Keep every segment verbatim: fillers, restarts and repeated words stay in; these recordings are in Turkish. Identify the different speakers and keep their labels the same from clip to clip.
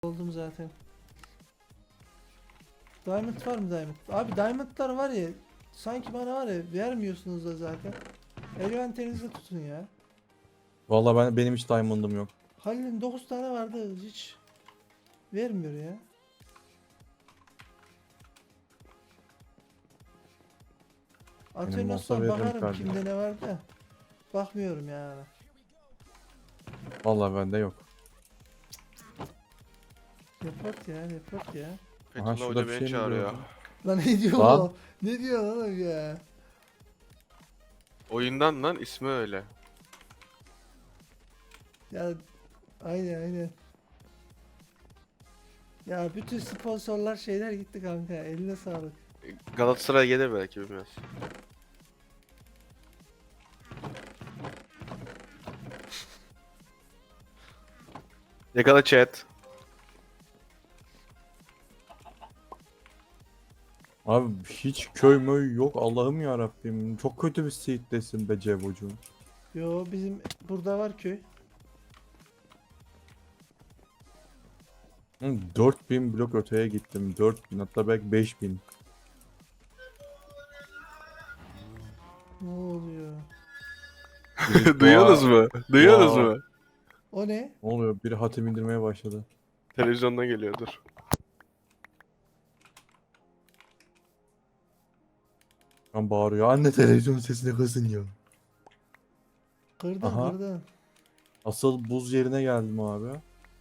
Speaker 1: Oldum zaten. Diamond var mı diamond? Abi diamondlar var ya, sanki bana var ya vermiyorsunuz da zaten. Elventerinizde tutun ya.
Speaker 2: Vallahi ben benim hiç diamond'ım yok.
Speaker 1: Halil'in dokuz tane vardı, hiç vermiyor ya.
Speaker 2: Benim
Speaker 1: Atıyorum
Speaker 2: olsa
Speaker 1: sonra
Speaker 2: veririm
Speaker 1: bakarım
Speaker 2: kardeşim.
Speaker 1: kimde ne var da. Bakmıyorum yani.
Speaker 2: Vallahi bende yok.
Speaker 1: Report ya, report ya.
Speaker 2: Aha
Speaker 3: Fethullah
Speaker 2: şurada
Speaker 3: Hoca
Speaker 2: bir
Speaker 3: beni
Speaker 2: şey mi
Speaker 3: çağırıyor.
Speaker 2: gördüm?
Speaker 1: Lan ne diyor
Speaker 2: Lan.
Speaker 1: o? Ne diyor lan o ya?
Speaker 3: Oyundan lan ismi öyle.
Speaker 1: Ya aynen aynen. Ya bütün sponsorlar şeyler gitti kanka. Eline sağlık.
Speaker 3: Galatasaray gelir belki bilmez. Yakala chat.
Speaker 2: Abi hiç köy möy yok Allah'ım ya Rabbim. Çok kötü bir seeddesin be Cevocuğum.
Speaker 1: Yo, bizim burada var köy.
Speaker 2: Hı, dört bin blok öteye gittim. dört bin hatta belki beş bin.
Speaker 1: Ne oluyor?
Speaker 2: Biri
Speaker 3: Duyuyorsunuz
Speaker 2: dua-
Speaker 3: mu? Duyuyorsunuz
Speaker 2: Vay.
Speaker 3: mu?
Speaker 1: O ne?
Speaker 2: Ne oluyor? Biri hatim indirmeye başladı.
Speaker 3: Televizyondan geliyordur.
Speaker 2: Kan bağırıyor. Anne televizyon sesini kısın ya.
Speaker 1: Kırdın
Speaker 2: Aha.
Speaker 1: kırdın.
Speaker 2: Asıl buz yerine geldim abi.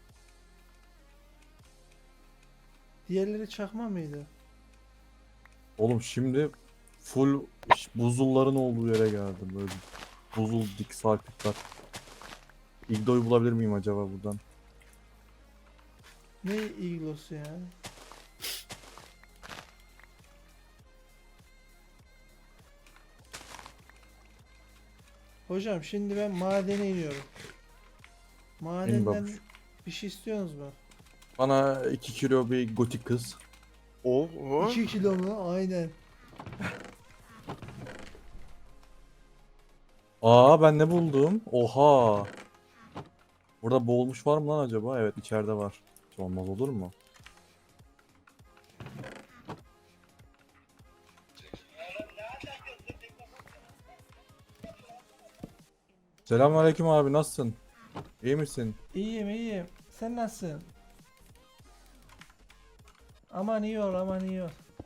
Speaker 1: Diğerleri çakma mıydı?
Speaker 2: Oğlum şimdi full buzulların olduğu yere geldim. Böyle buzul dik sarkıtlar. İgdo'yu bulabilir miyim acaba buradan?
Speaker 1: Ne iglosu ya? Hocam şimdi ben madene iniyorum. Madenden
Speaker 2: babuş.
Speaker 1: bir şey istiyorsunuz mu?
Speaker 2: Bana iki kilo bir gotik kız.
Speaker 3: O, o.
Speaker 1: iki kilo mu? Aynen.
Speaker 2: Aa ben ne buldum? Oha. Burada boğulmuş var mı lan acaba? Evet içeride var. Hiç olmaz olur mu? Selamünaleyküm abi nasılsın? İyi misin?
Speaker 1: İyiyim iyiyim. Sen nasılsın? Aman iyi ol, aman iyi ol.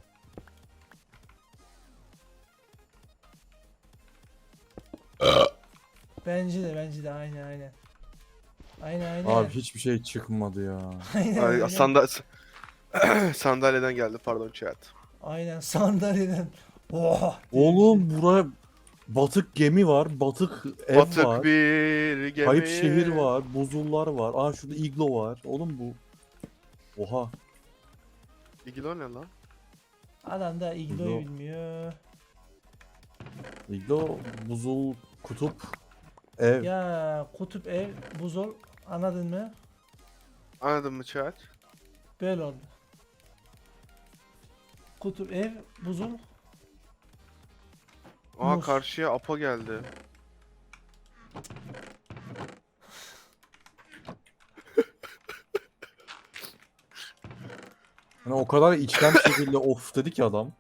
Speaker 1: Bence de bence de aynen aynen. Aynen aynen.
Speaker 2: Abi hiçbir şey çıkmadı ya.
Speaker 1: Aynen
Speaker 3: Ay,
Speaker 1: aynen.
Speaker 3: sanda sandalyeden geldi pardon chat.
Speaker 1: Aynen sandalyeden. Oha. diye bir
Speaker 2: Oğlum
Speaker 1: şey.
Speaker 2: buraya batık gemi var, batık ev
Speaker 3: Batık
Speaker 2: var,
Speaker 3: bir gemi.
Speaker 2: kayıp şehir var, buzullar var. Aa şurada iglo var. Oğlum bu. Oha.
Speaker 3: İgilo ne lan?
Speaker 1: Adam da igloyu
Speaker 2: Iglo.
Speaker 1: bilmiyor.
Speaker 2: İglo, buzul, kutup, ev.
Speaker 1: Ya kutup ev buzul, anladın mı?
Speaker 3: Anladın mı chat?
Speaker 1: Böyle oldu. Kutup ev buzul.
Speaker 3: Aa
Speaker 1: Muz.
Speaker 3: karşıya Apo geldi.
Speaker 2: Hani o kadar içten bir şekilde of dedi ki adam.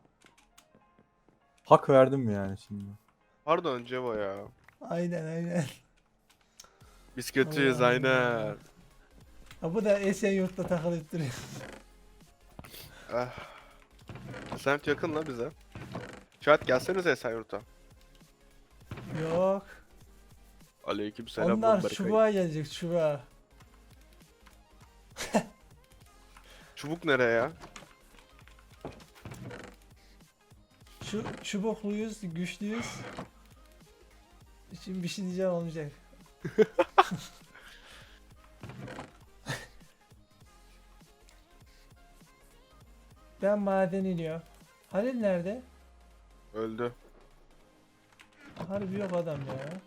Speaker 2: Hak verdim yani şimdi.
Speaker 3: Pardon Cevo ya.
Speaker 1: Aynen aynen.
Speaker 3: Biz kötüyüz
Speaker 1: Allah
Speaker 3: aynen.
Speaker 1: Allah. Ha, bu da Esenyurt'ta takılıp duruyor.
Speaker 3: Ah. Semt yakın la bize. Chat gelsenize Esenyurt'a.
Speaker 1: Yok.
Speaker 3: Aleyküm selam.
Speaker 1: Onlar
Speaker 3: Berkay.
Speaker 1: çubuğa gelecek, çubuğa.
Speaker 3: Çubuk nereye ya?
Speaker 1: Şu çubukluyuz, güçlüyüz. Şimdi bir şey diyeceğim olmayacak. Ben maden iniyor. Halil nerede?
Speaker 3: Öldü.
Speaker 1: Harbi yok adam ya.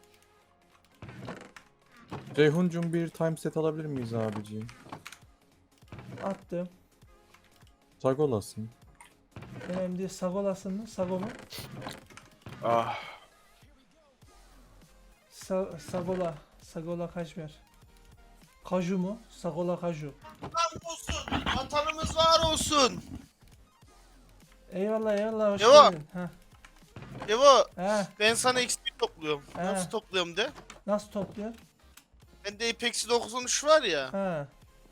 Speaker 2: Ceyhun'cum bir time set alabilir miyiz abiciğim?
Speaker 1: Attım.
Speaker 2: Sag olasın.
Speaker 1: Önemli değil. Sagolasın mı? Sago mu?
Speaker 3: Ah.
Speaker 1: Sa Sagola. Sagola kaç ver? Kaju mu? Sagola kaju.
Speaker 4: Olsun. Vatanımız var olsun.
Speaker 1: Eyvallah eyvallah hoş
Speaker 4: Devam.
Speaker 1: geldin. Heh.
Speaker 4: Devo
Speaker 1: He.
Speaker 4: ben sana X P topluyorum.
Speaker 1: He.
Speaker 4: Nasıl topluyorum de.
Speaker 1: Nasıl topluyor?
Speaker 4: Bende Apex doksan üç var ya.
Speaker 1: Ha.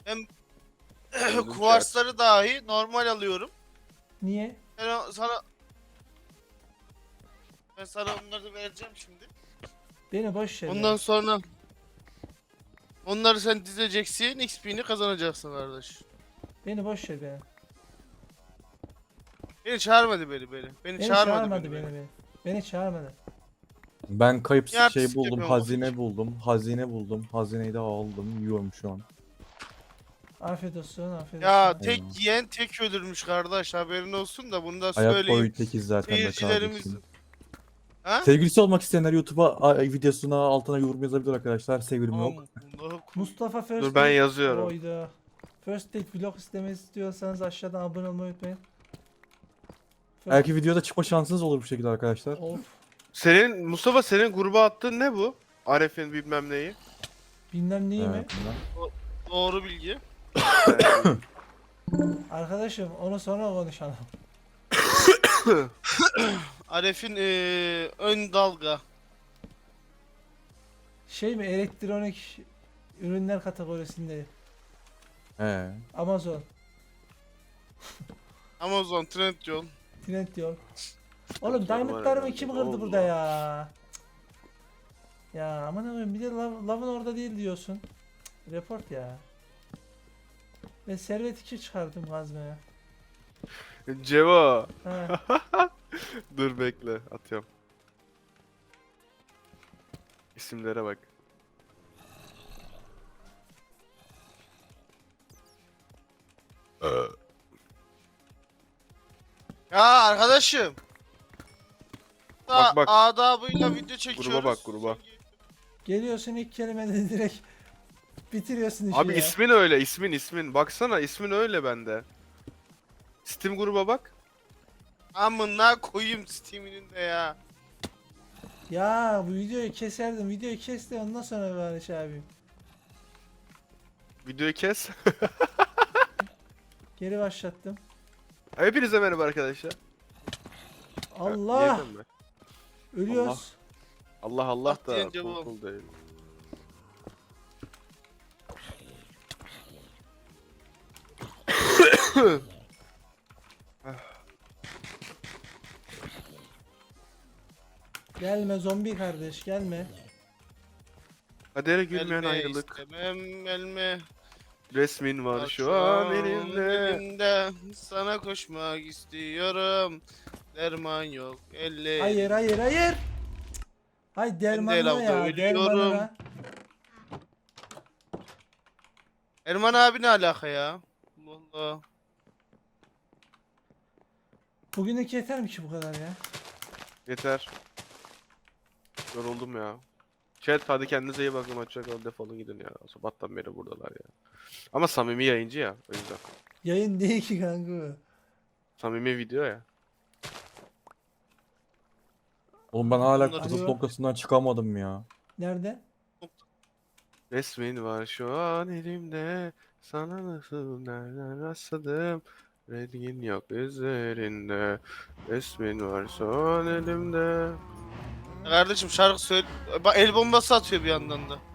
Speaker 4: Kuvarsları dahi normal alıyorum.
Speaker 1: Niye?
Speaker 4: Ben o- sana ben sana onları da vereceğim şimdi.
Speaker 1: Beni boş ver.
Speaker 4: Ondan
Speaker 1: ya.
Speaker 4: sonra onları sen dizeceksin, X P'ni kazanacaksın kardeş.
Speaker 1: Beni boş ver beni.
Speaker 4: Beni çağırmadı beni beni. Beni,
Speaker 1: Beni
Speaker 4: çağırmadı,
Speaker 1: çağırmadı
Speaker 4: beni.
Speaker 1: beni beni. Beni çağırmadı.
Speaker 2: Ben kayıp
Speaker 4: Ya
Speaker 2: şey
Speaker 4: artistik
Speaker 2: buldum,
Speaker 4: yapıyorum
Speaker 2: hazine
Speaker 4: bakayım.
Speaker 2: buldum, hazine buldum. Hazineyi de aldım, yiyorum şu an.
Speaker 1: Afiyet olsun afiyet
Speaker 4: Ya
Speaker 1: olsun.
Speaker 4: tek
Speaker 2: Eyvallah.
Speaker 4: yiyen tek ölürmüş kardeş, haberin olsun da bunu da
Speaker 2: Hayat
Speaker 4: söyleyeyim.
Speaker 2: boyu tekiz zaten de
Speaker 4: Seyircilerimiz.
Speaker 2: kardeşim.
Speaker 4: Ha?
Speaker 2: Sevgilisi olmak isteyenler YouTube'a a- videosuna altına yorum yazabilir arkadaşlar. Sevgilim yok.
Speaker 4: Aman Allah'ım.
Speaker 1: Mustafa First
Speaker 3: Dur ben
Speaker 1: Date-
Speaker 3: yazıyorum.
Speaker 1: Oyda. First Date vlog istemesi istiyorsanız aşağıdan abone olmayı unutmayın. First-
Speaker 2: Belki videoda çıkma şansınız olur bu şekilde arkadaşlar.
Speaker 1: Of.
Speaker 3: Senin Mustafa senin gruba attığın ne bu? Aref'in bilmem neyi.
Speaker 1: Bilmem neyi mi?
Speaker 2: Evet, bunlar.
Speaker 4: Doğru bilgi.
Speaker 1: Arkadaşım onu sonra konuşalım.
Speaker 4: Aref'in eee, ön dalga.
Speaker 1: Şey mi elektronik ürünler kategorisinde
Speaker 2: He.
Speaker 1: Amazon,
Speaker 4: Amazon, Trendyol.
Speaker 1: Trendyol. Oğlum diamondlarımı kim kırdı
Speaker 3: Allah.
Speaker 1: burada ya? Ya aman aman bir de lav, lavın orada değil diyorsun. Cık, report ya. Ben servet iki çıkardım kazmaya.
Speaker 3: Cevo.
Speaker 1: Ha.
Speaker 3: Dur bekle atıyorum. İsimlere bak.
Speaker 4: Ya arkadaşım.
Speaker 3: Bak, bak.
Speaker 4: Adabıyla video çekiyoruz.
Speaker 3: Gruba bak, gruba.
Speaker 1: Geliyorsun ilk kelimede direkt bitiriyorsun işi
Speaker 3: Abi
Speaker 1: ya.
Speaker 3: ismin öyle, ismin ismin. Baksana ismin öyle bende. Steam gruba bak.
Speaker 4: Amına koyayım Steam'inin de ya.
Speaker 1: Ya bu videoyu keserdim. Videoyu kes de ondan sonra Barış abi.
Speaker 3: Videoyu kes.
Speaker 1: Geri başlattım.
Speaker 3: Hepinize merhaba arkadaşlar.
Speaker 1: Allah!
Speaker 3: Yedim mi?
Speaker 1: Ölüyoruz.
Speaker 3: Allah Allah
Speaker 4: Bak
Speaker 3: da
Speaker 4: diyince
Speaker 3: cool
Speaker 4: bu.
Speaker 3: cool değil.
Speaker 1: Gelme zombi kardeş gelme.
Speaker 3: Kadere gülmeyen
Speaker 4: Gelme
Speaker 3: ayrılık.
Speaker 4: istemem gelme.
Speaker 3: Resmin var şu an elimde.
Speaker 4: elimde. Sana koşmak istiyorum. Derman yok elle.
Speaker 1: Hayır hayır hayır. Hay dermanına
Speaker 4: lavda
Speaker 1: ya
Speaker 4: ölüyorum.
Speaker 1: dermanına.
Speaker 4: Erman abi ne alaka ya? Allah Allah.
Speaker 1: Bugünlük yeter mi ki bu kadar ya?
Speaker 3: Yeter. Yoruldum ya. Chat hadi kendinize iyi bakın. Hoşçakalın, defolun gidin ya. Sabahtan beri buradalar ya. Ama samimi yayıncı ya. O yüzden.
Speaker 1: Yayın değil ki kanka bu.
Speaker 3: Samimi video ya.
Speaker 2: Oğlum ben hala
Speaker 4: Bunları-
Speaker 2: kıbrıs
Speaker 1: Alo.
Speaker 2: noktasından çıkamadım ya.
Speaker 1: Nerede?
Speaker 3: Resmin var şu an elimde. Sana nasıl nereden rastladım? Rengin yok üzerinde. Resmin var şu an elimde.
Speaker 4: Kardeşim şarkı söyle. Bak el bombası atıyor bir yandan da.